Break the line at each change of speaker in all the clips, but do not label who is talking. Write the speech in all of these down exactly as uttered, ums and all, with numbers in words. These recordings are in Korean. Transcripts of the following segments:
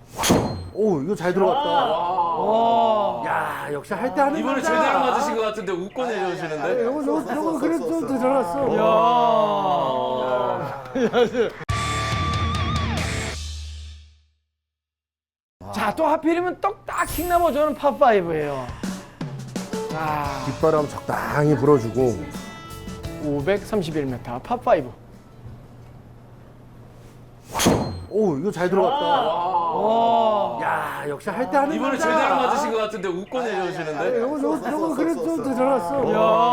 오, 이거 잘 들어갔다.
와.
야, 역시 할 때 하는
이번에
남자.
제대로 맞으신 것 같은데 웃고
아,
내려오시는데?
이거 좀 들어가 그래 좀 들어갔어.
야. 자, 또 하필이면 떡딱 킹나버 저는 팝파이브예요. 아,
뒷바람 적당히 불어주고.
오백삼십일 미터 팝파이브.
오, 이거 잘 들어갔다.
와.
야, 역시 할 때 하는
이번에
남자.
제대로 맞으신 것 같은데 웃고 내려오시는데?
이거 좀 들어가 그래 좀 들어갔어.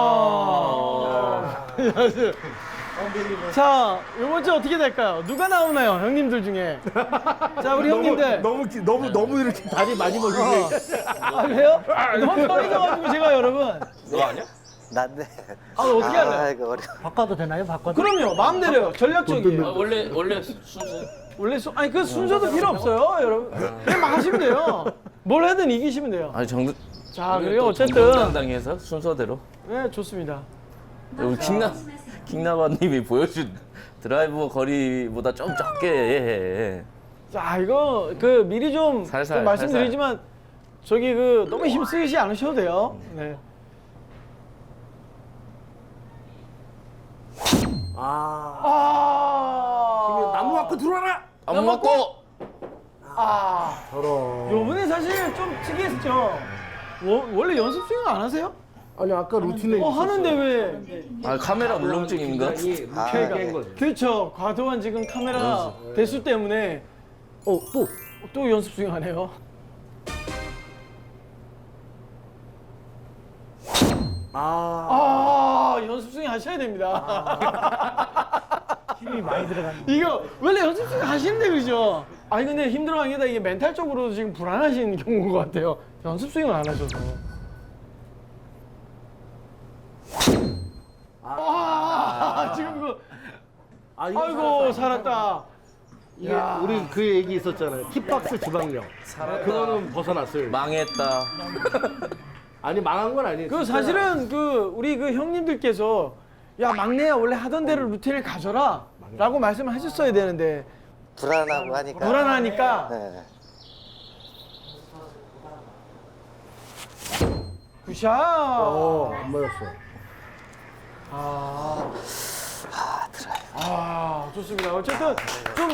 야. 자, 이번 주 어떻게 될까요? 누가 나오나요, 형님들 중에? 자, 우리 형님들.
너무 기- 너무 너무 이렇게 다리 많이 먹이게.
아, 그래요? 너무 떨리셔가지고 제가 여러분.
너 아니야?
난데.
아, 어떻게 할래요?
아, 이거 어려.
바꿔도 되나요? 바꿔도?
그럼요, 마음대로요. 전략적이에요.
원래, 원래 순서.
원래 수, 아니 그 순서도 필요 없어요, 여러분. 그냥 막 하시면 돼요. 뭘 하든 이기시면 돼요.
아니, 정도.
자, 그리고 어쨌든
정당당해서 순서대로.
네, 좋습니다.
우리 킹나, 킹나바님이 보여준 드라이버 거리보다 좀 적게 해.
자, 이거 그 미리 좀,
살살,
좀 말씀드리지만 저기 그 너무 힘 쓰이지 않으셔도 돼요. 네.
아,
아,
나무 갖고 들어와라.
안 맞고!
아,
저런.
요번에 사실 좀 특이했죠. 워, 원래 연습 스윙 안 하세요?
아니 아까 루틴에
어, 하는데 왜?
아, 카메라 울렁증인가?
아,
그렇죠. 과도한 지금 카메라 대수 때문에
어, 또.
또 연습 스윙 하네요.
아.
아, 연습 스윙 하셔야 됩니다.
힘이 많이 들어가는.
이거 원래 연습 스윙 하시는데 그러죠? 아니 근데 힘들어한 게 다 이게 멘탈적으로 지금 불안하신 경우인 것 같아요. 연습 스윙을 안 하셔서. 아, 지금 그
아, 이거
아이고 살았다.
이게 우리 그 얘기 있었잖아요. 힙박스 지방령. 그거는 벗어났어요.
망했다.
아니 망한 건 아니에요.
그
진짜.
사실은 그 우리 그 형님들께서 야 막내야 원래 하던 대로 루틴을 가져라라고 말씀을 하셨어야 되는데
불안하고 하니까.
불안하니까
네.
굿샷.
어, 안 맞았어.
아, 아 좋습니다. 어쨌든 좀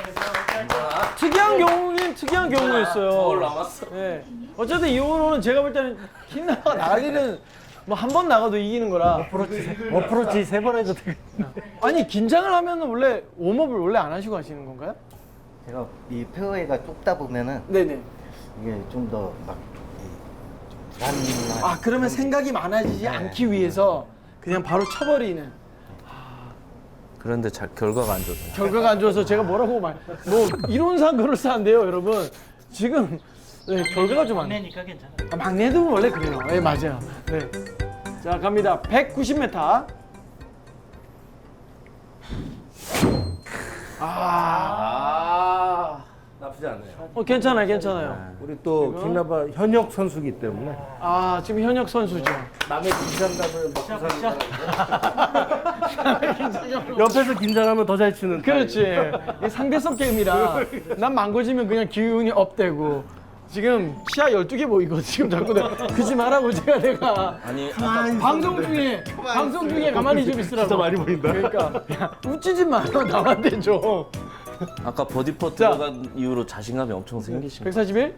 특이한 경우긴 특이한 경우였어요.
저걸 남았어.
네. 어쨌든 이 홀은 제가 볼 때는 킹나가 나가기는 뭐 한 번 나가도 이기는 거라.
어프로치, 어프로치 세 번 해도 되겠네.
아니 긴장을 하면 원래 웜업을 원래 안 하시고 하시는 건가요?
제가 이 페어웨이가 좁다 보면은
네네.
이게 좀 더 막 불안한.
아 그러면 생각이 많아지지 않기 위해서 그냥 바로 쳐버리는.
그런데 자, 결과가 안 좋다.
결과가 안 좋아서 제가 뭐라고 말, 뭐 이론상 그럴싸한데요, 여러분. 지금 네, 결과가 좀 안.
막내니까 괜찮아.
아, 막내도 원래 그래요. 네, 맞아요. 네. 자, 갑니다. 백구십 미터. 아,
아.
나쁘지 않아요.
어, 괜찮아요, 괜찮아요.
우리 또 킹나바 현역 선수기 때문에
아, 지금 현역 선수죠.
남의 긴장감을 먹고 사는 사람. 옆에서 긴장하면 더 잘 치는.
그렇지. 이게 상대성 게임이라 난 망고지면 그냥 기운이 업되고 지금 시야 열두 개 보이고 지금 자꾸 내가 그지 말라고 제가 내가
아니,
방송 중에 방송 중에 가만히 좀 있으라고.
진짜 많이 보인다.
그러니까 야, 웃지지 마. 남한테 좀.
아까 버디퍼
자.
들어간 이후로 자신감이 엄청 생기신 거.
백사십일.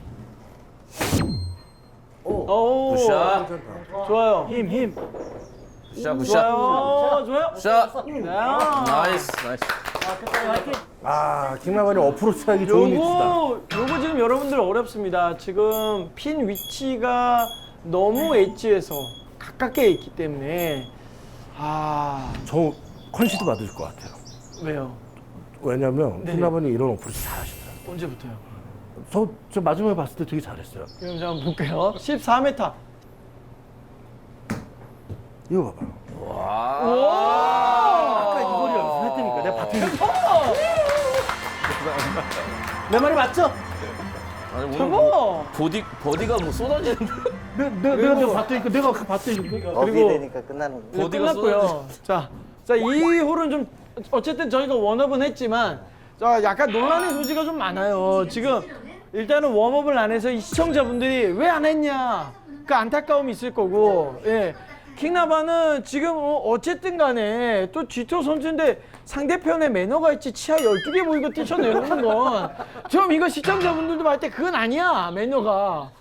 오.
굿샷.
좋아요.
힘, 힘.
굿샷, 굿샷.
좋아요. 좋아요.
굿샷.
네.
나이스, 나이스.
아, 킹나바는 어프로치 하기 좋은 위치다.
요거 요거 지금 여러분들 어렵습니다. 지금 핀 위치가 너무 엣지에서 가깝게 있기 때문에 아
저 컨시드 받을 것 같아요.
왜요?
왜냐면
네.
킹나바는 이런 어프로치 잘하시더라고요.
언제부터요?
저, 저 마지막에 봤을 때 되게 잘했어요.
그럼 제가 한번 볼게요. 십사 미터.
이거 봐봐요.
와.
아까 이거를 연습했다니까. 내가 봤더니. 내 말이 맞죠?
아니, 오늘
저거!
뭐 보디, 버디가 뭐 쏟아지는데.
내, 내, 내가 내가 봤다니까. 내가 아까 봤다니까.
업이
그리고-
되니까 끝나는 거.
네,
어디가
끝났고요. 자, 자, 이 홀은 좀 어쨌든 저희가 원업은 했지만 자, 약간 논란의 소지가 좀 많아요. 지금 일단은 웜업을 안 해서 이 시청자분들이 왜 안 했냐 그 안타까움이 있을 거고, 예. 킹나바는 지금 어, 어쨌든 간에 또 지토 선수인데 상대편에 매너가 있지 치아 열두 개 보이고 뛰쳐내는 건 좀 이거 시청자분들도 볼 때 그건 아니야 매너가.